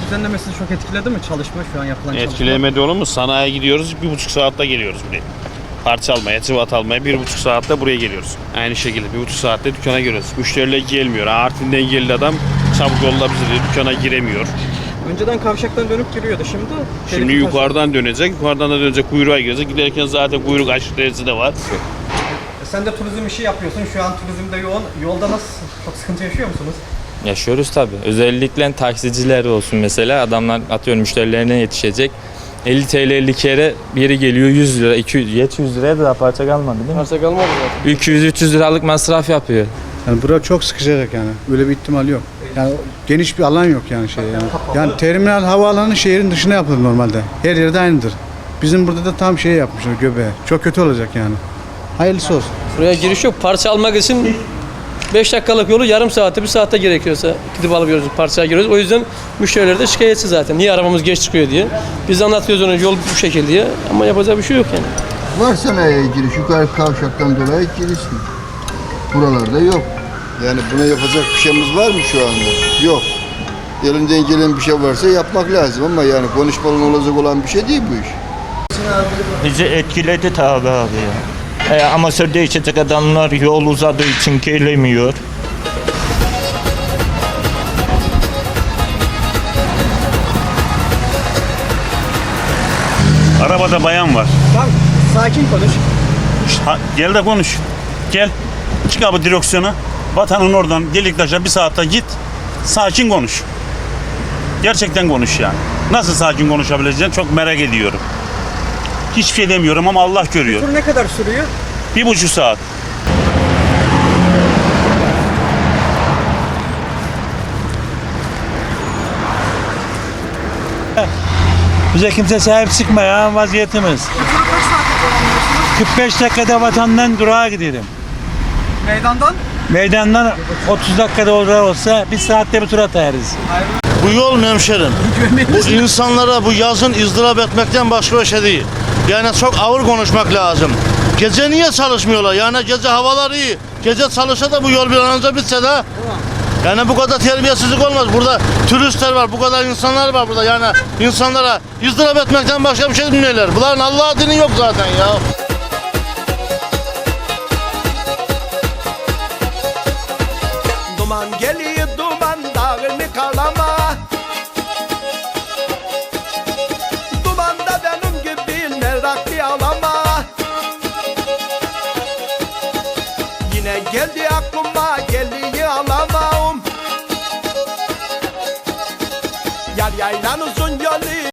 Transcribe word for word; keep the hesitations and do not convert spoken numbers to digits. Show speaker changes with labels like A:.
A: düzenlemesi çok etkiledi mi çalışma şu an yapılan çalışma?
B: Etkilemedi olur mu? Sanayiye gidiyoruz, bir buçuk saatte geliyoruz buraya. Parça almaya, cıvat almaya bir buçuk saatte buraya geliyoruz. Aynı şekilde bir buçuk saatte dükkana giriyoruz. Müşteriler gelmiyor. Artvin'den geldi adam, çabuk yolla bizi diyor, dükkana giremiyor.
A: Önceden kavşaktan dönüp giriyordu şimdi.
B: Şimdi yukarıdan dönecek, yukarıdan da dönecek, kuyruğa girecek. Giderken zaten kuyruk aşırı derecede var.
A: E sen de turizm işi yapıyorsun. Şu an turizmde yoğun. Yolda nasıl? Çok sıkıntı yaşıyor musunuz?
C: Yaşıyoruz tabii. Özellikle taksiciler olsun mesela. Adamlar atıyorum müşterilerine yetişecek. elli TL elli kere biri geliyor yüz lira, iki yüz, yetmiş yüz liraya da daha parça kalmadı değil mi?
A: Parça kalmadı zaten.
C: iki yüz üç yüz liralık masraf yapıyor.
D: Yani bura çok sıkışacak yani. Öyle bir ihtimal yok. Yani geniş bir alan yok yani şey yani. Yani terminal havaalanı şehrin dışına yapılır normalde. Her yerde aynıdır. Bizim burada da tam şey yapmışlar göbeğe. Çok kötü olacak yani. Hayırlısı olsun.
E: Buraya giriş yok. Parça almak için beş dakikalık yolu yarım saatte, bir saatte gerekiyorsa gidip alıyoruz, parçaya giriyoruz. O yüzden müşteriler de şikayetçi zaten. Niye arabamız geç çıkıyor diye. Biz anlatıyoruz ona yol bu şekilde diye ama yapacağı bir şey yok yani.
F: Var sanayiye giriş, yukarı kavşaktan dolayı girişli. Buralarda yok. Yani buna yapacak bir şeyimiz var mı şu anda? Yok. Elinden gelen bir şey varsa yapmak lazım ama yani konuşmalı olacak olan bir şey değil bu iş.
G: Bizi etkiledi tabi abi ya. E, amatörde içecek adamlar yol uzadığı için gelemiyor.
H: Arabada bayan var.
A: Tamam, sakin konuş.
H: Ha, gel de konuş. Gel. Çık abi direksiyona. Vatanın oradan Deliktaş'a bir saatte git. Sakin konuş. Gerçekten konuş yani. Nasıl sakin konuşabileceğini çok merak ediyorum. Hiçbir şey demiyorum ama Allah görüyor.
A: Tur ne kadar sürüyor?
H: Bir buçuk saat.
I: Bize kimse sahip çıkmaya vaziyetimiz. kırk beş dakikada vatandan durağa gidelim.
A: Meydandan?
I: Meydandan otuz dakikada olarak olsa bir saatte bir tur atarız.
J: Bu yol hemşerim. Bu insanlara bu yazın ızdırap etmekten başka bir şey değil. Yani çok ağır konuşmak lazım. Gece niye çalışmıyorlar? Yani gece havalar iyi. Gece çalışsa da bu yol bir an önce bitse de. Yani bu kadar terbiyesizlik olmaz. Burada turistler var, bu kadar insanlar var burada. Yani insanlara ızdırap etmekten başka bir şey bilmiyorlar. Bunların Allah'a dini yok zaten ya.
K: Duman geliyor duman dağını kalama. Dumanda benim gibi meraklı alama. Yine geldi aklıma geliyor alamam. Yar yaylan uzun yolu.